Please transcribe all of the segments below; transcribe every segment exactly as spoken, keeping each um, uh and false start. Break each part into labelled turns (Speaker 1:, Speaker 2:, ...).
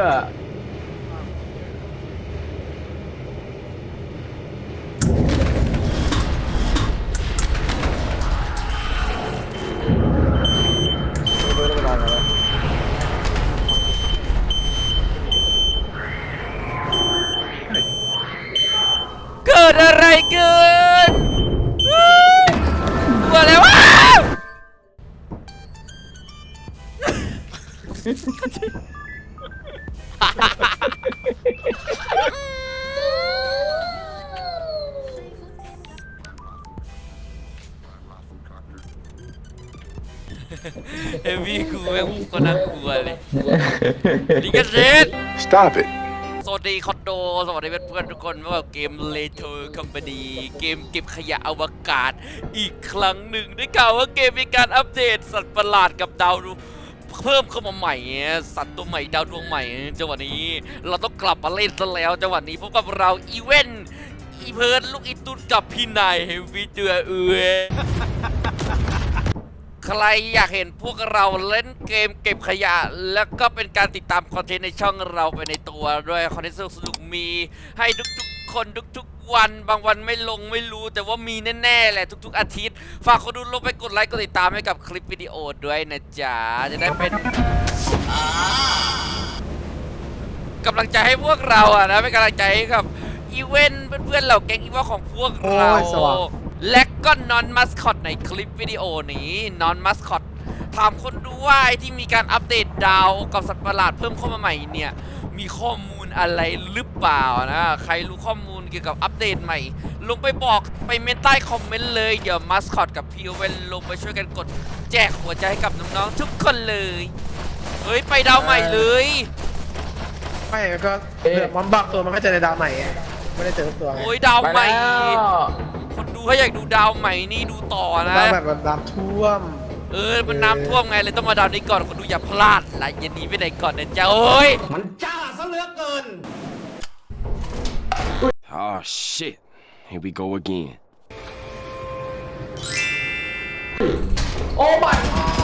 Speaker 1: เกิดอะไรเกินตัวอะไรวะเฮฟวี่กูแม่งก็น่ากลัวเลยลิกาเซต
Speaker 2: Stop it
Speaker 1: สวัสดีคอนโดสวัสดีเพื่อนๆทุกคนว่าเกมเลโทร์คอมพานีเกมเก็บขยะอวกาศอีกครั้งหนึ่งได้กล่าวว่าเกมมีการอัปเดตสัตว์ประหลาดกับดาวเพิ่มเข้ามาใหม่สัตว์ตัวใหม่ดาวดวงใหม่จังหวะนี้เราต้องกลับมาเล่นซะแล้วจังหวะนี้พบกับเราอีเวนต์อีเพิร์ดลูกอีตุนกับพี่นายเฮฟวี่เดือเอือใครอยากเห็นพวกเราเล่นเกมเก็บขยะแล้วก็เป็นการติดตามคอนเทนต์ในช่องเราไปในตัวด้วยคอนเทนต์สนุกๆมีให้ทุกๆคนทุกๆวันบางวันไม่ลงไม่รู้แต่ว่ามีแน่ๆแหละทุกๆอาทิตย์ฝากคนดูลงไปกดไลค์กดติดตามให้กับคลิปวิดีโอด้วยนะจ๊ะจะได้เป็นกำลังใจให้พวกเราอะนะเป็นกำลังใจให้กับอีเวนต์เพื่อนๆเหล่าแก๊งอีเวนต์ของพวกเราและก็นอนมัสคอตในคลิปวิดีโอนี้นอนมัสคอตถามคนดูว่าไอ้ที่มีการอัปเดตดาวกับสัตว์ประหลาดเพิ่มเข้ามาใหม่เนี่ยมีข้อมูลอะไรหรือเปล่านะใครรู้ข้อมูลเกี่ยวกับอัปเดตใหม่ลงไปบอกไปเมนใต้คอมเมนต์เลยเดี๋ยวมัสคอตกับพีเวนลงไปช่วยกันกดแจกหัวใจให้กับน้องๆทุกคนเลยเฮ้ยไปดาวใหม่เลย
Speaker 3: ไม่ก็มันบักตัวมันก็จะในดาวใหม่ไม่ได้เจอตัวไง
Speaker 1: โอ้ยดาวใหม่คนดูถ้าอยากดูดาวใหม่นี่ดูต่อนะ
Speaker 3: ดาวแบบมันน้ำท่วม
Speaker 1: เออมันน้ำท่วมไงเลยต้องมาดาวนี้ก่อนคนดูอย่าพลาดละอย่าหนีไปไหนก่อนนะจ๊ะโอ้ย
Speaker 3: มันจ้าซะเหลือเกิน
Speaker 2: Oh shit here we go again
Speaker 3: โอ้ my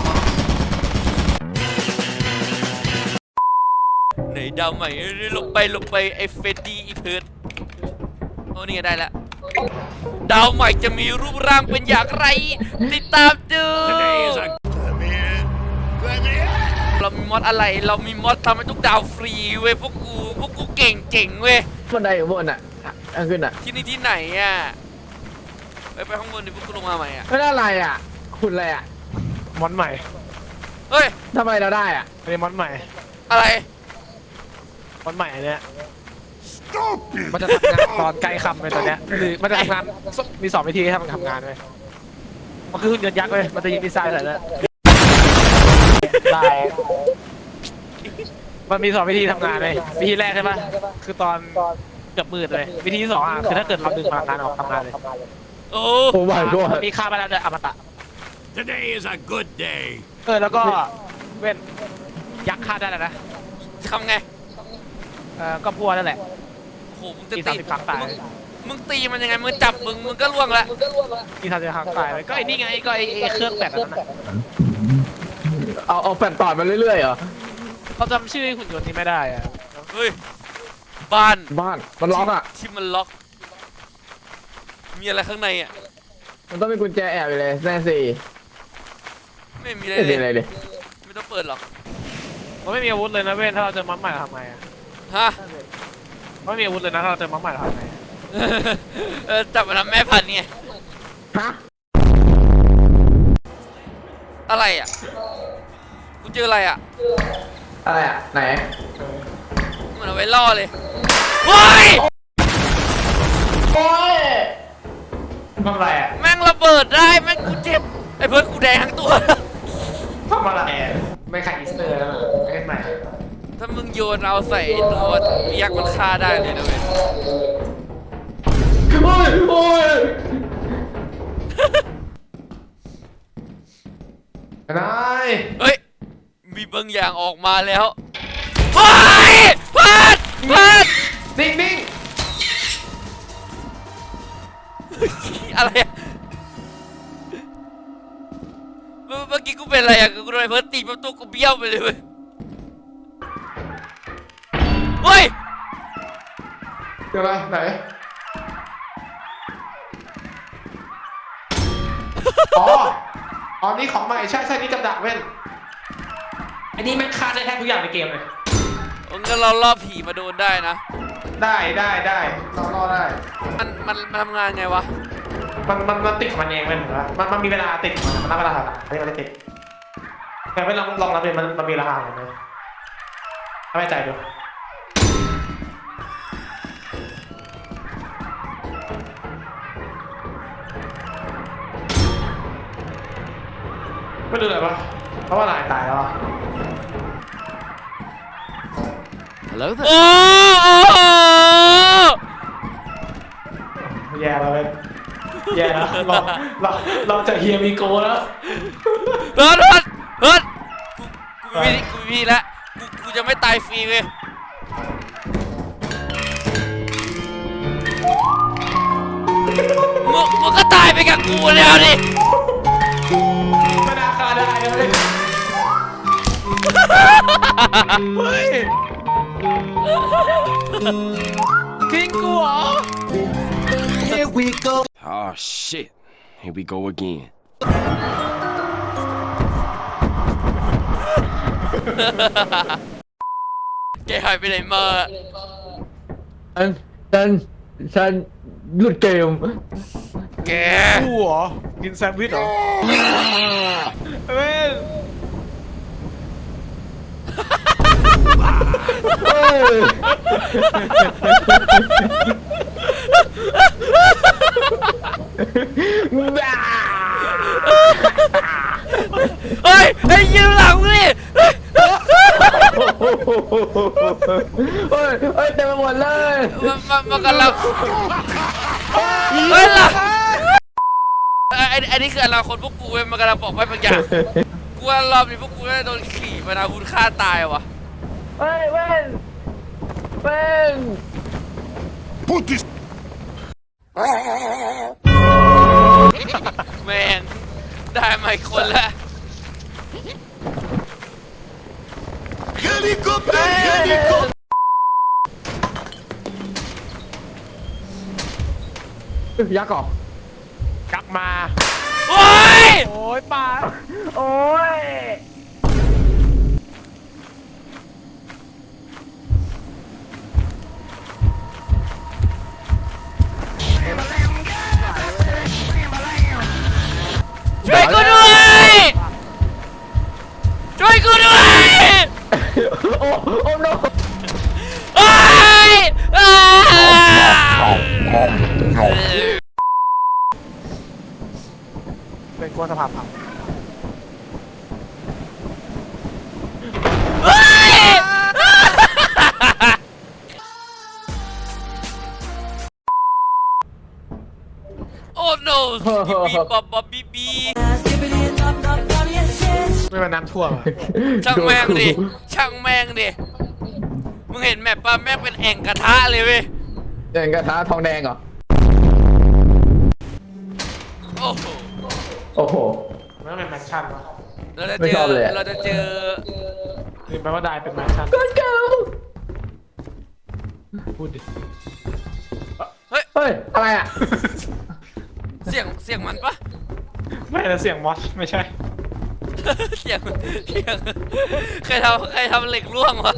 Speaker 1: ไหนดาวใหม่ลงไปลงไปไอ้เฟดดี้อีเพิร์ดโอ้นี่ได้แล้วดาวใหม่จะมีรูปร่างเป็นอย่างไรติดตามดูเรามีมอดอะไรเรามีมอดทำให้ทุกดาวฟรีเว้ยพวกกูพวกกูเก่งเก่งเว้ย
Speaker 3: บันไดอยู่บนอ่ะขึ้นอ่ะ
Speaker 1: ที่นี่ที่ไหนอ่ะไปไปข้างบนดิพวกกูลงมาใหม่อ่ะ
Speaker 3: ไม่ได้อะไรอ่ะคุณอะไรอ่ะมอนใหม่
Speaker 1: เฮ้ย
Speaker 3: ทำไมเราได้อ่ะเป็นมอนใหม่
Speaker 1: อะไร
Speaker 3: มอนใหม่เนี้ยมันจะทำงานตอนใกล้คำเลยตอนเนี้ยหรือมันจะทำงานมีสองวิธีให้มันทำงานเลยมันคือหุ่นยนต์ยักษ์เลยมันจะยิงดีไซน์อะไรแล้วได้มันมีสองวิธีทำงานเลยวิธีแรกใช่ปะคือตอนเกือบมืดเลยวิธีที่สองอ่ะคือถ้าเกิดเราดึงพลังงานออกทำงานเลย
Speaker 1: โอ้
Speaker 3: โหมีค่าไปแล้วเลยอมตะ
Speaker 4: Today is a good day
Speaker 3: เออแล้วก็เว้นยักษ์ฆ่าได้แล้วนะ
Speaker 1: ทำไง
Speaker 3: เออก็พัวนั่นแหละ
Speaker 1: โอ้โหมึงจะตีครั้งตายมึงตีมันยังไงมึงจับมึงมึงก็ล่วงแล้ว
Speaker 3: มีทางจะครั้งตายเลยก็ไอ้นี่ไงก็ไอ้เครื่องแปดนั่นแหละเอาเอาแปดต่อมาเรื่อยๆเหรอเขาจำชื่อหุ่นยนต์นี้ไม่ได้อ่ะ
Speaker 1: เฮ้ยบ้าน
Speaker 3: บ้านมันล็อกอ่ะ
Speaker 1: ที่มันล็อกมีอะไรข้างในอ่ะ
Speaker 3: มันต้องมีกุญแจแอบอยู่เลยแน่สิ
Speaker 1: ไม่มีอะไรเลยไม่ต้องเปิดหรอก
Speaker 3: มันไม่มีอาวุธเลยนะเว้นถ้าเราเจอมัดใหม่ทำไงอ่ะ
Speaker 1: ฮะ
Speaker 3: ไม่มีอาวุธเลยนะถ้าเราเจอมัดใหม่ทำไง
Speaker 1: เออจับมาทำแม่พันธุ์ไง
Speaker 3: ฮะ
Speaker 1: อะไรอ่ะกูเจออะไรอ่ะ
Speaker 3: อะไรอ่ะไหน
Speaker 1: เหมือนเอาไว้ล่อเลยโอ้ย
Speaker 3: โอ้ยทำอะไรอ่ะ
Speaker 1: แม่งระเบิดได้แม่งกูเจ็บไอ้เพื่อนกูแดงทั้งตัว
Speaker 3: ทำอะไรไม่ขายอีสเตอร์แล้วไม่ใหม่
Speaker 1: ถ้ามึงโยนเอาใส่ตัวยักษ์มันฆ่าได้เลยนะเว้ย
Speaker 3: โอ้ยโอ้ยนาย
Speaker 1: เฮ้ยมีบางอย่างออกมาแล้วเฮ้ยพัดพัด
Speaker 3: นิ่งนิ่ง
Speaker 1: อะไรอะเมื่อกี้กูเป็นอะไรอะกูโดนเพิร์ตตีประตูกูเบี้ยวไปเลยเว้ย
Speaker 3: เดี๋ยวอะไรไหนอ๋ออ๋อนี่ของใหม่ใช่ใช่นี่กับดักเว้นอันนี้แม่งฆ่าได้แทบทุกอย่างในเกมเลย
Speaker 1: งั้นเราล่อผีมาโดนได้นะ
Speaker 3: ได้ได้ได้เรารอได้
Speaker 1: มันมันมันทำงานไงวะ
Speaker 3: มันมันมันติดของมันเองเว้นเหรอมันมันมีเวลาติดของมันมันนับเวลาถัดอันนี้มันไม่ติดแต่ไม่ลองลองรับเลยมันมันมีราคาเหมือนกันถ้าไม่ใจดูไม่ดูเลยปะเพราะว่าลายตายแล้วอะ
Speaker 2: Hello
Speaker 1: โอ้
Speaker 2: there.
Speaker 1: โอ้
Speaker 3: แย่แล้วเว้ยแย่แล้วเราเราเราจะเฮียมีโกแล้ว
Speaker 1: เฮิร์ทเฮิร์ทเฮิร์ทกูกูมีกูมีแล้วกูกูจะไม่ตายฟรีเลยมึงมึงก็ตายไปกับกูแล้วดิ
Speaker 3: ไม่น่าฆ่าได้เลยเฮ้ยทิ้งกูเหรอ
Speaker 2: Here we go. Oh shit. Here we go again.
Speaker 1: แกหายไปไหนมา
Speaker 5: ฉันฉันฉันหลุดเกม
Speaker 1: แก
Speaker 3: กูเหรอกินแซนด์วิชเหรอเว้ย
Speaker 5: เฮ้ย บ้า
Speaker 1: เฮ้ยไอ้ยืนหลังดิ
Speaker 5: เฮ้ยเฮ้ยเต็มไปหมดเลย
Speaker 1: มันมันมันกำลังเฮ้ยล่ะไอ้ไอ้ไอ้นี่คืออนาคตพวกกูเว้ยมันกำลังบอกไว้บางอย่างกูว่ารอบนี้พวกกูจะโดนขี่มานาคุณฆ่าตายวะ
Speaker 5: เฮ้ยเว้นเว้น
Speaker 2: Put this.
Speaker 1: แม่งได้มาอีกคนละ
Speaker 2: Helicopter. Helicopter.
Speaker 5: ยักษ์เหรอก
Speaker 3: ลับมา
Speaker 1: โอ้ย
Speaker 3: โอ้ยปา
Speaker 5: โอ้ย
Speaker 1: ช่วยกูด้วยช่วยกูด้วย
Speaker 5: โอ้โอ้โน
Speaker 1: โอ้ยอ้า
Speaker 3: เป็นกลัวสภาพผับ
Speaker 1: เฮ้ยโอ้ no บีบีบอบอบบีบี
Speaker 3: ไม่มาน้ำท่วมอะ
Speaker 1: ช่างแม่งดิช่างแม่งดิมึงเห็นแมปป่ะแม่งเป็นแอ่งกระทะเลยเว้ย
Speaker 5: เดินกระทะทองแดงเหรอ
Speaker 1: โอ้โห
Speaker 5: โอ้โห
Speaker 3: ไม่ต้องเป็นแมนชั่นวะ
Speaker 1: เราจะ
Speaker 5: ไม่
Speaker 1: เจ
Speaker 5: ชอบ
Speaker 1: อ
Speaker 5: เลยอะ
Speaker 1: เราจะเจอ
Speaker 3: นี่แปลว่าได้เป็นแมนชั่น
Speaker 5: ก้อนเก่า
Speaker 3: พูดดิ
Speaker 5: เฮ้ย อะไรอ่ะ
Speaker 1: เสียงเสียงมันปะ
Speaker 3: ไม่แต่เสียงมอสไม่ใช่
Speaker 1: เสียงเสียงใครทำใครทำเหล็กร่วงวะ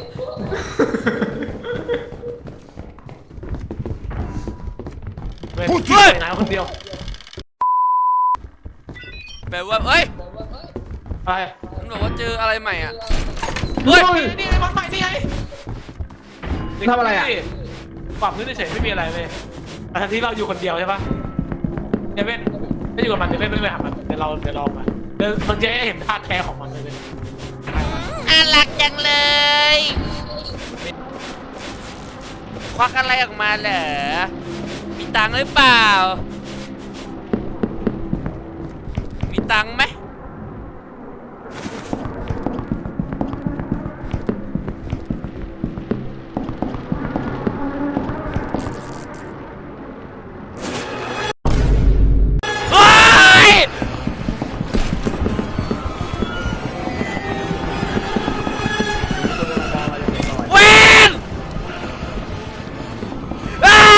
Speaker 3: พูดจริงเลยนะคนเดียว
Speaker 1: แปลว่าเอ้ย
Speaker 3: อะไร
Speaker 1: มันบอกว่าเจออะไรใหม่อ่ะเฮ้ย
Speaker 3: นี่ไงมอสใหม่นี่ไง
Speaker 5: ทำอะไรอะ
Speaker 3: ปรับพื้นเฉยๆไม่มีอะไรเลยแต่ทันที่เราอยู่คนเดียวใช่ปะเดวินไม่อยู่กับมันเดวินไม่ไปหามันเดี๋ยวเราเดี๋ยวลองมาเดี๋ยวมันจะให้เห็นท่าแท้ของมันเลยเว้ย
Speaker 1: น่ารักจังเลย ควักอะไรออกมาเหรอ มีตังค์หรือเปล่า มีตังค์ไหมเฮ้ย เวนอ้า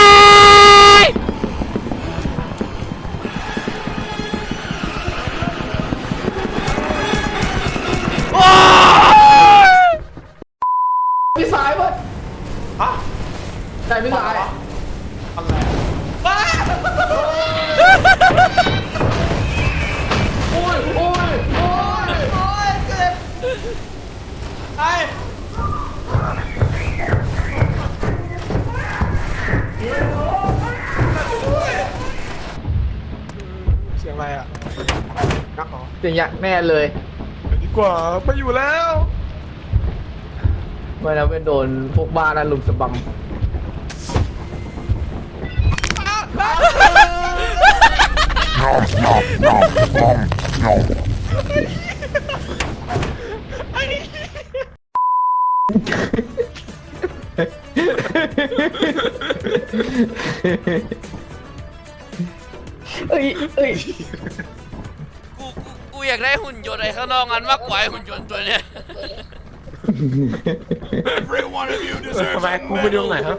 Speaker 5: เสียงยักษ์แน่เลย
Speaker 3: ดีกว่าไม่อยู่แล้ว
Speaker 5: ไม่นะเป็นโดนพวกบ้านั้นลุมสะบัม เอ้ยเอ้ย
Speaker 1: กูกูกูอยากได้หุ่นยนต์ไอ้ข้างนอกงั้นมากกว่าไอ้หุ่นยนต์ตัวเนี้ย
Speaker 4: Every one of you
Speaker 3: ทำไม
Speaker 4: deserves a
Speaker 3: กูไปดูไหน
Speaker 4: medal.
Speaker 3: ฮะ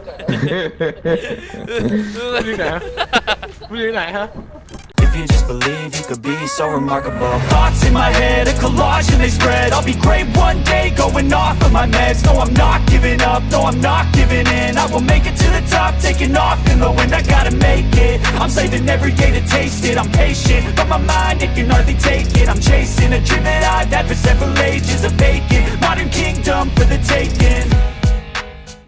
Speaker 3: กูดูไหนฮะกูดูไหนฮะ
Speaker 6: If you just believe you could be so remarkable. Thoughts in my head, a collage and they spread. I'll be great one day, going off of my meds. No, I'm not giving up, no, I'm not giving in. I will make it to the top, taking off in the wind. I gotta make it, I'm saving every day to taste it. I'm patient, but my mind, it can hardly take it. I'm chasing a dream that I've had for several ages, a vacant modern kingdom for the taking.